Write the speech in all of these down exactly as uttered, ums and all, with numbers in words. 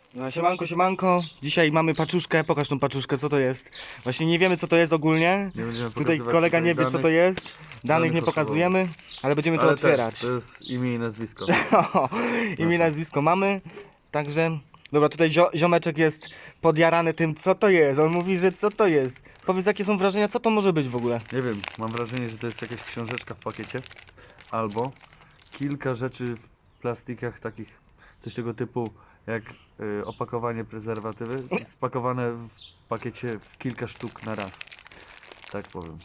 No, siemanko, siemanko. Dzisiaj mamy paczuszkę. Pokaż tą paczuszkę, co to jest. Właśnie nie wiemy, co to jest ogólnie. Nie będziemy Tutaj pokazywać kolega nie wie, danych. co to jest. Danych Danych nie pokazujemy, ale będziemy to Ale otwierać. Tak, to jest imię i nazwisko. Imię i nazwisko mamy. Także, dobra, tutaj zio ziomeczek jest podjarany tym, co to jest. On mówi, że co to jest. Powiedz, jakie są wrażenia, co to może być w ogóle. Nie wiem, mam wrażenie, że to jest jakaś książeczka w pakiecie. Albo kilka rzeczy w plastikach takich, coś tego typu jak y, opakowanie prezerwatywy, spakowane w pakiecie w kilka sztuk na raz. Tak powiem.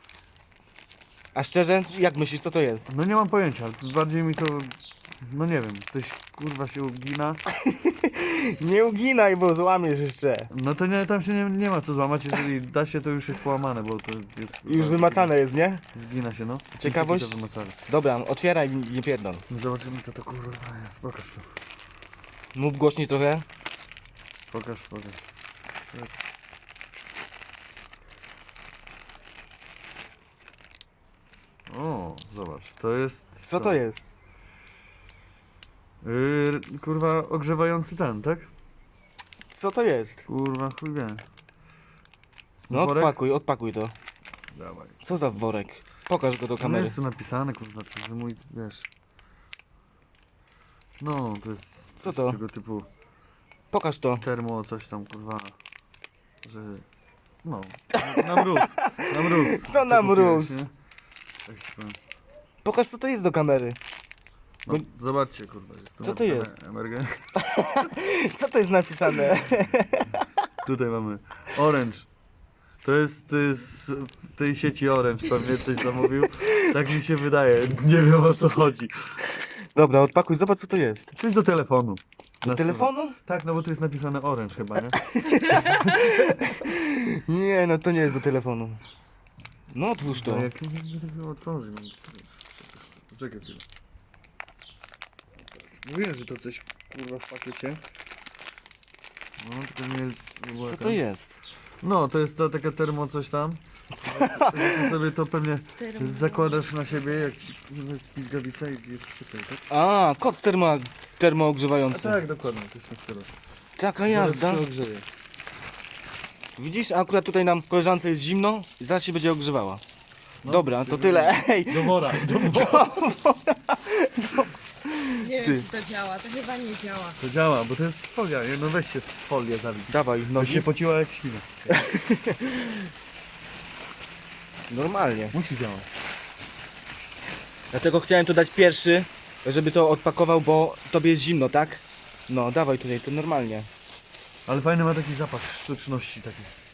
A szczerze, jak myślisz, co to jest? No nie mam pojęcia, bardziej mi to, no nie wiem, coś kurwa się ugina. Nie uginaj, bo złamiesz jeszcze. No to nie, tam się nie, nie ma co złamać, jeżeli da się, to już jest połamane, bo to jest... Już wymacane jest, nie? Zgina się, no. Ciekawość? To wymacane. Dobra, otwieraj, nie pierdol. No zobaczymy, co to kurwa jest. Pokaż to. Mów głośniej trochę. Pokaż, pokaż. O, zobacz, to jest... Co to jest? Yy, kurwa, ogrzewający ten, tak? Co to jest? Kurwa, chuj wie. No Worek? odpakuj, odpakuj to. Dawaj. Co za worek? Pokaż go do No kamery. jest tu napisane, kurwa, to jest mój, wiesz... No, to jest... Co z to? tego typu Pokaż to. termo, coś tam, kurwa, że... No, na mróz, na mróz. Co to na kupiłeś, mróz? nie? Tak ci powiem. Pokaż, co to jest do kamery. No, zobaczcie, kurwa, jest tu Co to napisane jest? emergen- Co to jest napisane? Tutaj mamy Orange. To jest, to jest w tej sieci Orange, pewnie coś zamówił. Tak mi się wydaje, nie wiem o co chodzi. Dobra, odpakuj, zobacz, co to jest. Coś do telefonu. Do Na telefonu? stronę. Tak, no bo tu jest napisane Orange chyba, nie? Nie, no to nie jest do telefonu. No otwórz to. No jak nie będę tego otworzyć, mam poczekaj chwilę. Mówiłem, że to coś kurwa w pakiecie. No tylko nie... nie było Co ten- to jest? No, to jest ta taka termo coś tam. Ty sobie to pewnie zakładasz na siebie, jak ci kurwa jest pizgawica i jest ciepłej, tak? A, koc termo, A termoogrzewający. tak, dokładnie, coś w tym stylu. Taka Zaraz jazda. się ogrzeje. Widzisz, akurat tutaj nam koleżance jest zimno i zaraz się będzie ogrzewała. No, Dobra, to tyle. Ej, Do wora, do wora. Nie Ty. wiem, czy to działa, to chyba nie działa. To działa, bo to jest folia, nie? No weź się w folię zabić. dawaj, To nogi. się pociła jak świnia. Normalnie. Musi działać. Dlatego chciałem to dać pierwszy, żeby to odpakował, bo tobie jest zimno, tak? No, dawaj tutaj, to normalnie. Ale fajny ma taki zapach sztuczności taki.